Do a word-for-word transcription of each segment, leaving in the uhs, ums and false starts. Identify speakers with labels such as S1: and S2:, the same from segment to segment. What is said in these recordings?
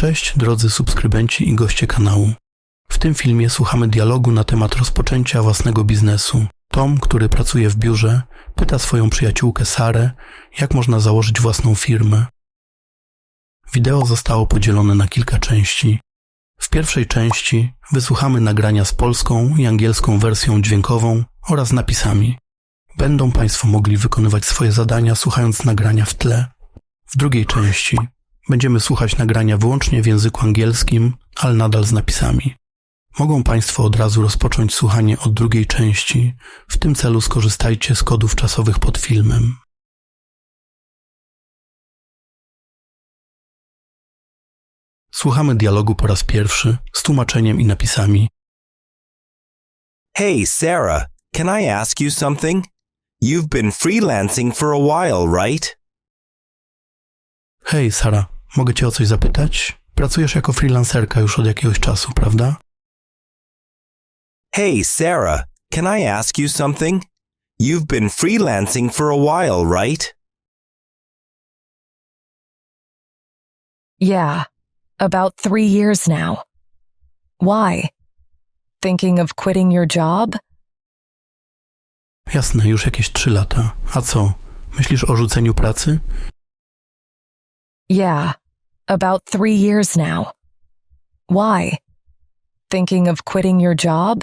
S1: Cześć drodzy subskrybenci i goście kanału. W tym filmie słuchamy dialogu na temat rozpoczęcia własnego biznesu. Tom, który pracuje w biurze, pyta swoją przyjaciółkę Sarę, jak można założyć własną firmę. Wideo zostało podzielone na kilka części. W pierwszej części wysłuchamy nagrania z polską i angielską wersją dźwiękową oraz napisami. Będą Państwo mogli wykonywać swoje zadania słuchając nagrania w tle. W drugiej części będziemy słuchać nagrania wyłącznie w języku angielskim, ale nadal z napisami. Mogą Państwo od razu rozpocząć słuchanie od drugiej części. W tym celu skorzystajcie z kodów czasowych pod filmem. Słuchamy dialogu po raz pierwszy z tłumaczeniem i napisami.
S2: Hey, Sarah, can I ask you something? You've been freelancing for a while, right?
S1: Hej, Sara, mogę Cię o coś zapytać? Pracujesz jako freelancerka już od jakiegoś czasu, prawda?
S2: Hey, Sarah, can I ask you something? You've been freelancing for a while, right?
S3: Yeah, about three years now. Why? Thinking of quitting your job?
S1: Jasne, już jakieś trzy lata. A co? Myślisz o rzuceniu pracy?
S3: Yeah, about three years now. Why? Thinking of quitting your job?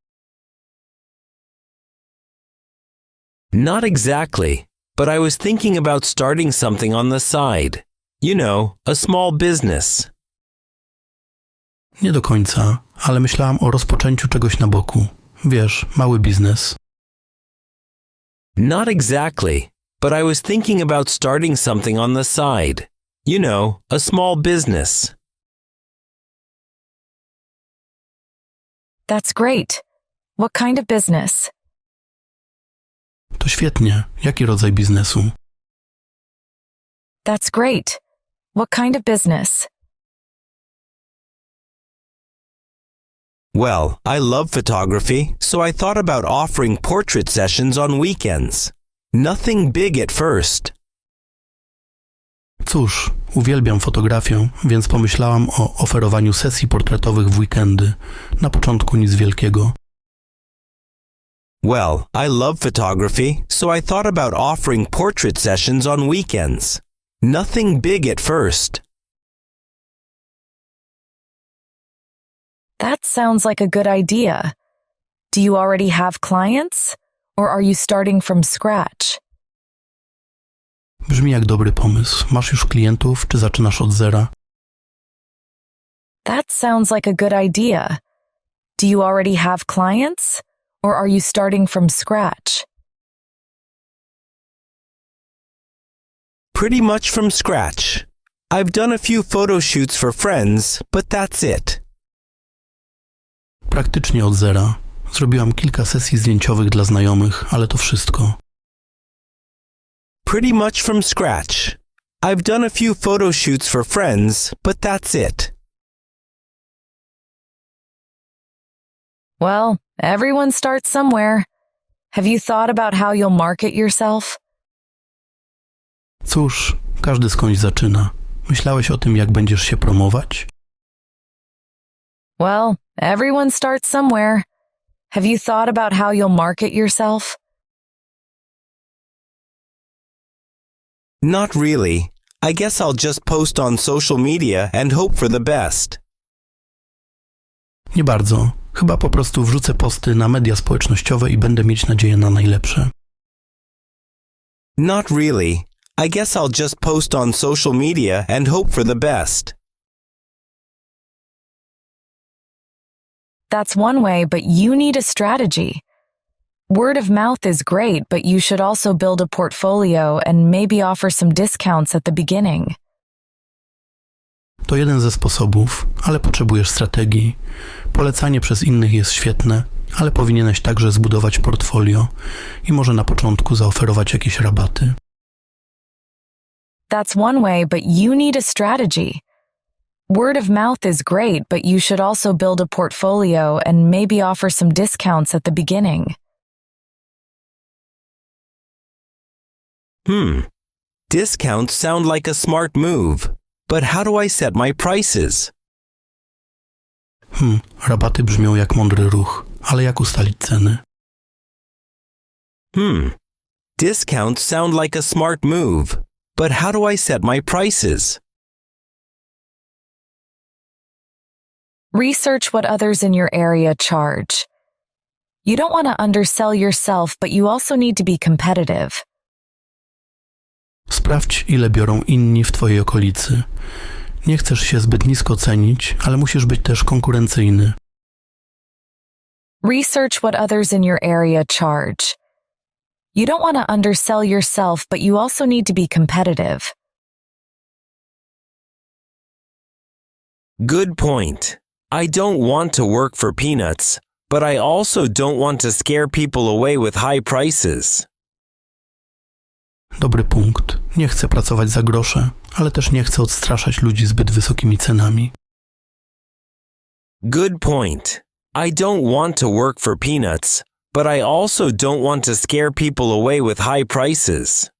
S2: Not exactly, but I was thinking about starting something on the side. You know, a small business.
S1: Nie do końca, ale myślałam o rozpoczęciu czegoś na boku. Wiesz, mały biznes.
S2: Not exactly, but I was thinking about starting something on the side. You know, a small business.
S3: That's great. What kind of business?
S1: To świetnie. Jaki rodzaj biznesu?
S3: That's great. What kind of business?
S2: Well, I love photography, so I thought about offering portrait sessions on weekends. Nothing big at first.
S1: Cóż, uwielbiam fotografię, więc pomyślałam o oferowaniu sesji portretowych w weekendy. Na początku nic wielkiego.
S2: Well, I love photography, so I thought about offering portrait sessions on weekends. Nothing big at first.
S3: That sounds like a good idea. Do you already have clients? Or are you starting from scratch?
S1: Brzmi jak dobry pomysł. Masz już klientów, czy zaczynasz od zera?
S3: That sounds like a good idea. Do you already have clients? Or are you starting from scratch?
S2: Pretty much from scratch. I've done a few photo shoots for friends, but that's it.
S1: Praktycznie od zera. Zrobiłam kilka sesji zdjęciowych dla znajomych, ale to wszystko.
S2: Pretty much from scratch. I've done a few photo shoots for friends, but that's it.
S3: Well, everyone starts somewhere. Have you thought about how you'll market yourself?
S1: Cóż, każdy skądś zaczyna. Myślałeś o tym, jak będziesz się promować?
S3: Well, everyone starts somewhere. Have you thought about how you'll market yourself?
S2: Not really. I guess I'll just post on social media and hope for the best.
S1: Nie bardzo. Chyba po prostu wrzucę posty na media społecznościowe i będę mieć nadzieję na najlepsze.
S2: Not really. I guess I'll just post on social media and hope for the best.
S3: That's one way, but you need a strategy. Word of mouth is great, but you should also build a portfolio and maybe offer some discounts at the beginning.
S1: To jeden ze sposobów, ale potrzebujesz strategii. Polecanie przez innych jest świetne, ale powinieneś także zbudować portfolio i może na początku zaoferować jakieś rabaty.
S3: That's one way, but you need a strategy. Word of mouth is great, but you should also build a portfolio and maybe offer some discounts at the beginning.
S2: Hmm. Discounts sound like a smart move. but how do I set my prices?
S1: Hmm, rabaty brzmią jak mądry ruch, ale jak ustalić ceny?
S2: Hmm. Discounts sound like a smart move, but how do I set my prices?
S3: Research what others in your area charge. You don't want to undersell yourself, but you also need to be competitive.
S1: Sprawdź, ile biorą inni w twojej okolicy. Nie chcesz się zbyt nisko cenić, ale musisz być też konkurencyjny.
S3: Research what others in your area charge. You don't want to undersell yourself, but you also need to be competitive.
S2: Good point. I don't want to work for peanuts, but I also don't want to scare people away with high prices.
S1: Dobry punkt. Nie chcę pracować za grosze, ale też nie chcę odstraszać ludzi zbyt wysokimi cenami.
S2: Good point. I don't want to work for peanuts, but I also don't want to scare people away with high prices.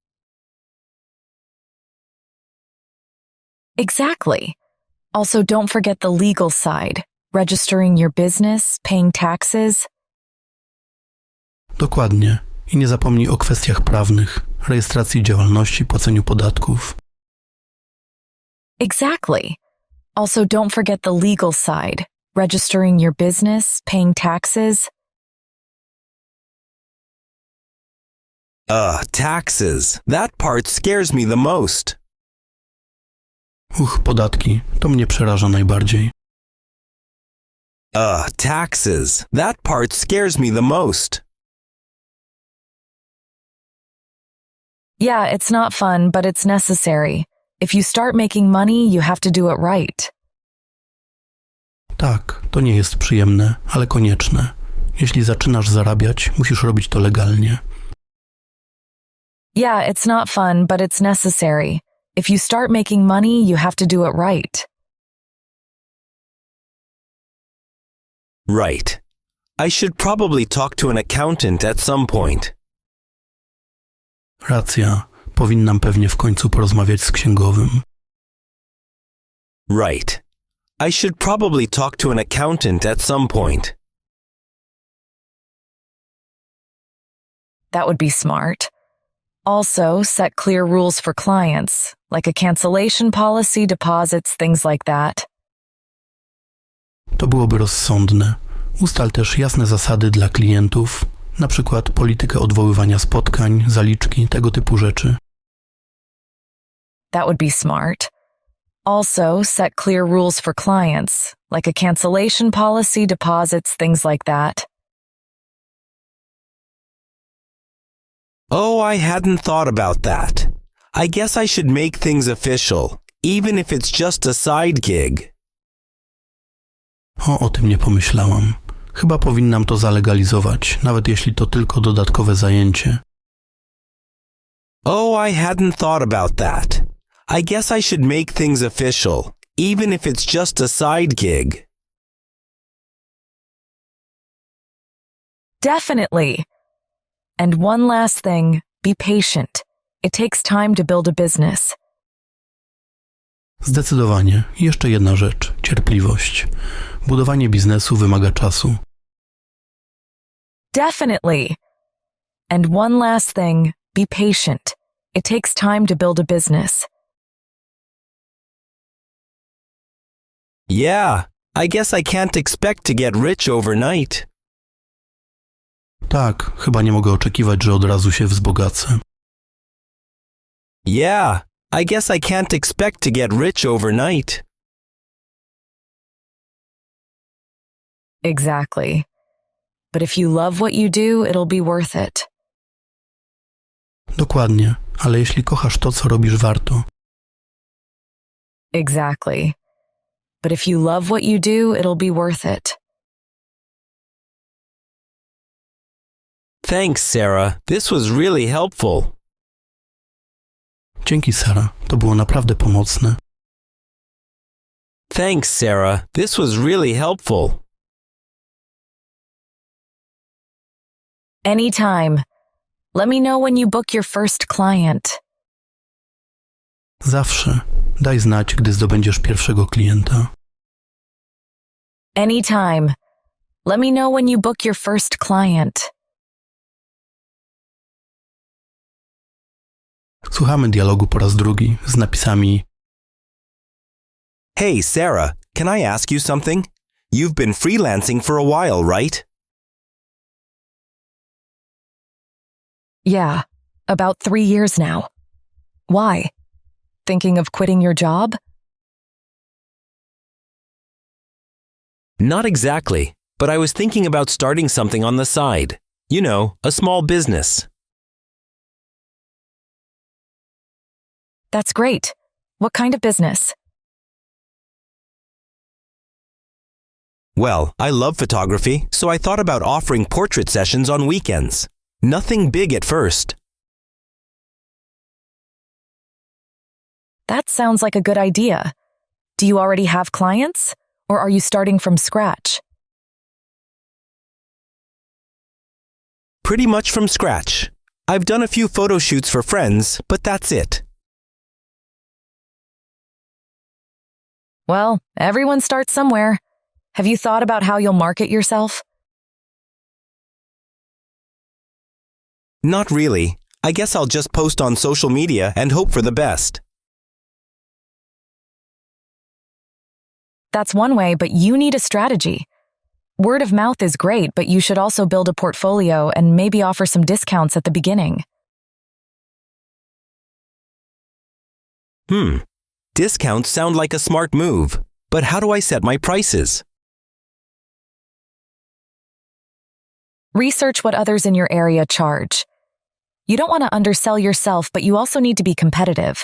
S3: Exactly. Also, don't forget the legal side. Registering your business, paying taxes.
S1: Dokładnie. I nie zapomnij o kwestiach prawnych, rejestracji działalności, płaceniu podatków.
S3: Exactly. Also, don't forget the legal side. Registering your business, paying taxes.
S2: Ugh, taxes. That part scares me the most.
S1: Uch, podatki. To mnie przeraża najbardziej.
S2: Ugh, taxes. That part scares me the most.
S3: Yeah, it's not fun, but it's necessary. If you start making money, you have to do it right.
S1: Tak, to nie jest przyjemne, ale konieczne. Jeśli zaczynasz zarabiać, musisz robić to legalnie.
S3: Yeah, it's not fun, but it's necessary. If you start making money, you have to do it right.
S2: Right. I should probably talk to an accountant at some point.
S1: Racja. Powinnam pewnie w końcu porozmawiać z księgowym.
S2: Right. I should probably talk to an accountant at some point.
S3: That would be smart. Also, set clear rules for clients, like a cancellation policy, deposits, things like that.
S1: To byłoby rozsądne. Ustal też jasne zasady dla klientów, na przykład politykę odwoływania spotkań, zaliczki, tego typu rzeczy.
S3: That would be smart. Also, set clear rules for clients, like a cancellation policy, deposits, things like that.
S2: Oh, I hadn't thought about that. I guess I should make things official, even if it's just a side gig.
S1: O, o tym nie pomyślałam. Chyba powinnam to zalegalizować, nawet jeśli to tylko dodatkowe zajęcie.
S2: Oh, I hadn't thought about that. I guess I should make things official, even if it's just a side gig.
S3: Definitely. And one last thing, be patient. It takes time to build a business.
S1: Zdecydowanie. I jeszcze jedna rzecz. Cierpliwość. Budowanie biznesu wymaga czasu.
S3: Definitely. And one last thing, be patient. It takes time to build a business.
S2: Yeah, I guess I can't expect to get rich overnight.
S1: Tak, chyba nie mogę oczekiwać, że od razu się wzbogacę.
S2: Yeah, I guess I can't expect to get rich overnight.
S3: Exactly. But if you love what you do, it'll be worth it.
S1: Dokładnie, ale jeśli kochasz to, co robisz, warto.
S3: Exactly. But if you love what you do, it'll be worth it.
S2: Thanks, Sarah. This was really helpful.
S1: Dzięki, Sara. To było naprawdę pomocne.
S2: Thanks, Sarah. This was really helpful.
S3: Anytime. Let me know when you book your first client.
S1: Zawsze. Daj znać, gdy zdobędziesz pierwszego klienta.
S3: Anytime. Let me know when you book your first client.
S1: Słuchamy dialogu po raz drugi z napisami:
S2: Hey, Sarah, can I ask you something? You've been freelancing for a while, right?
S3: Yeah, about three years now. Why? Thinking of quitting your job?
S2: Not exactly, but I was thinking about starting something on the side. You know, a small business.
S3: That's great. What kind of business?
S2: Well, I love photography, so I thought about offering portrait sessions on weekends. Nothing big at first.
S3: That sounds like a good idea. Do you already have clients, or are you starting from scratch?
S2: Pretty much from scratch. I've done a few photo shoots for friends, but that's it.
S3: Well, everyone starts somewhere. Have you thought about how you'll market yourself?
S2: Not really. I guess I'll just post on social media and hope for the best.
S3: That's one way, but you need a strategy. Word of mouth is great, but you should also build a portfolio and maybe offer some discounts at the beginning.
S2: Hmm. Discounts sound like a smart move, but how do I set my prices?
S3: Research what others in your area charge. You don't want to undersell yourself, but you also need to be competitive.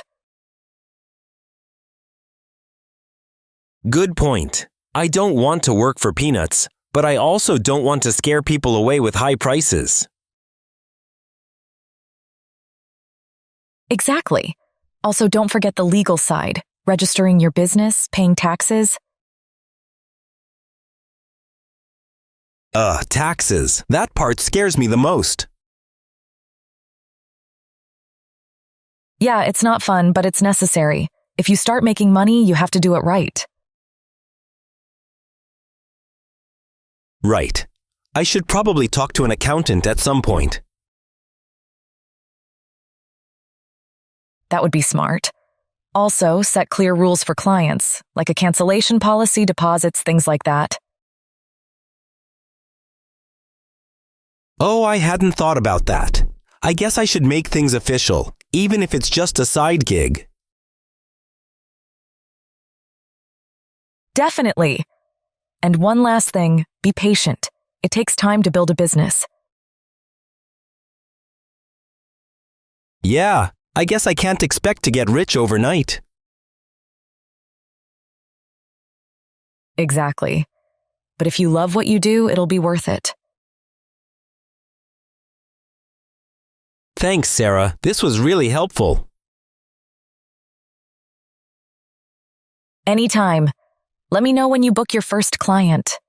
S2: Good point. I don't want to work for peanuts, but I also don't want to scare people away with high prices.
S3: Exactly. Also, don't forget the legal side, registering your business, paying taxes.
S2: Ugh, taxes. That part scares me the most.
S3: Yeah, it's not fun, but it's necessary. If you start making money, you have to do it right.
S2: Right. I should probably talk to an accountant at some point.
S3: That would be smart. Also, set clear rules for clients, like a cancellation policy, deposits, things like that.
S2: Oh, I hadn't thought about that. I guess I should make things official, even if it's just a side gig.
S3: Definitely. And one last thing, be patient. It takes time to build a business.
S2: Yeah, I guess I can't expect to get rich overnight.
S3: Exactly. But if you love what you do, it'll be worth it.
S2: Thanks, Sarah. This was really helpful.
S3: Anytime. Let me know when you book your first client.